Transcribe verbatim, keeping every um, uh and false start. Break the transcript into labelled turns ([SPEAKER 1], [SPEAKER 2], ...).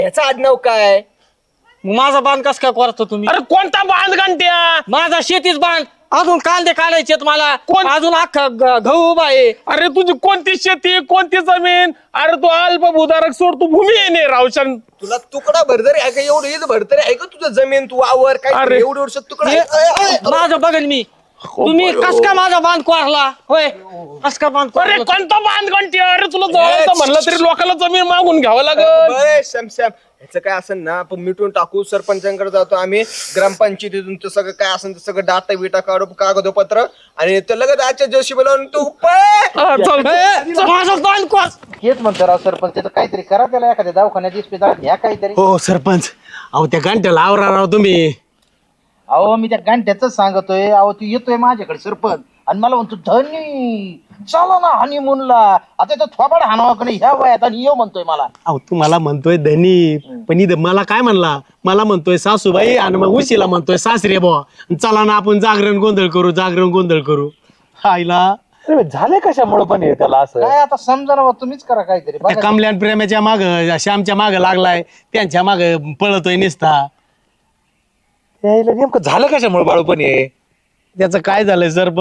[SPEAKER 1] याचा आडनाव काय?
[SPEAKER 2] माझा बांध कस काय करतो तुम्ही?
[SPEAKER 3] अरे कोणता बांध घंट्या?
[SPEAKER 2] माझा शेतीच बांध. अजून कांदे काढायचे मला.
[SPEAKER 3] कोण?
[SPEAKER 2] अजून अख्खा ग- गहू उभा आहे.
[SPEAKER 3] अरे तुझी कोणती शेती कोणती जमीन? अरे तू अल्पभूधारक सोड, तू भूमी येणे रावशन.
[SPEAKER 1] तुला तुकडा भरतरी आहे का? एवढं येत भरतरी आहे का तुझं जमीन? तू वावर काय
[SPEAKER 3] अरे.
[SPEAKER 1] एवढं वर्ष तुकडा
[SPEAKER 2] हे-
[SPEAKER 1] आहे? अय, अय,
[SPEAKER 2] माझं बघेन मी. तुम्ही कस काय माझा बांध कोरला? होय कस काय बांध
[SPEAKER 3] अरे
[SPEAKER 2] कोरला?
[SPEAKER 3] कोणता बांध घंट्या? अरे तुला जवळचं म्हणलं तरी लोकांना जमीन मागून घ्यावं लागल.
[SPEAKER 1] अय, श्याम श्याम ह्याचं काय असेल ना आपण मिटून टाकू. सरपंचांकडे जातो आम्ही, ग्रामपंचायतीतून ते सगळं काय असेल ते सगळं डाटा बिटा काढू, कागदपत्र, आणि ते लगेच आजच्या जोशी बोलावून तू पळ.
[SPEAKER 3] हा, चल.
[SPEAKER 2] हे, माझं बांध कोर.
[SPEAKER 4] हेच म्हणतो राव सरपंच, त्याचं काहीतरी करा, त्याला एखाद्या दवाखान्यात इस्पितळात घ्या काहीतरी.
[SPEAKER 5] हो सरपंच, अहो त्या घंट्याला आवरा राव तुम्ही.
[SPEAKER 4] अहो मी त्या गांठ्याच सांगतोय, अहो तू येतोय माझ्याकडे सरपंच आणि मला म्हणतो धनी चला ना हनीमूनला. आता तो थोबाड हाणावा का नाही ह्या वयात, आणि येऊ म्हणतोय मला.
[SPEAKER 5] अहो तुम्हाला म्हणतोय धनी, पण इथं मला काय म्हणला? मला म्हणतोय सासूबाई, आणि मग उशीला म्हणतोय सासरे बुवा. चला ना आपण जागरण गोंधळ करू, जागरण गोंधळ करू. हायला
[SPEAKER 6] झाले कशामुळे पण हे त्याला असं?
[SPEAKER 4] काय आता समजा ना बा, तुम्हीच करा काहीतरी
[SPEAKER 5] त्या
[SPEAKER 4] बघा.
[SPEAKER 5] कमल्यान प्रेमाच्या माग, श्यामच्या माग लागलाय, त्यांच्या माग पळतोय निसता.
[SPEAKER 6] यायला नेमकं झालं कशामुळे बाळू पण हे?
[SPEAKER 5] त्याचं काय झालंय सर?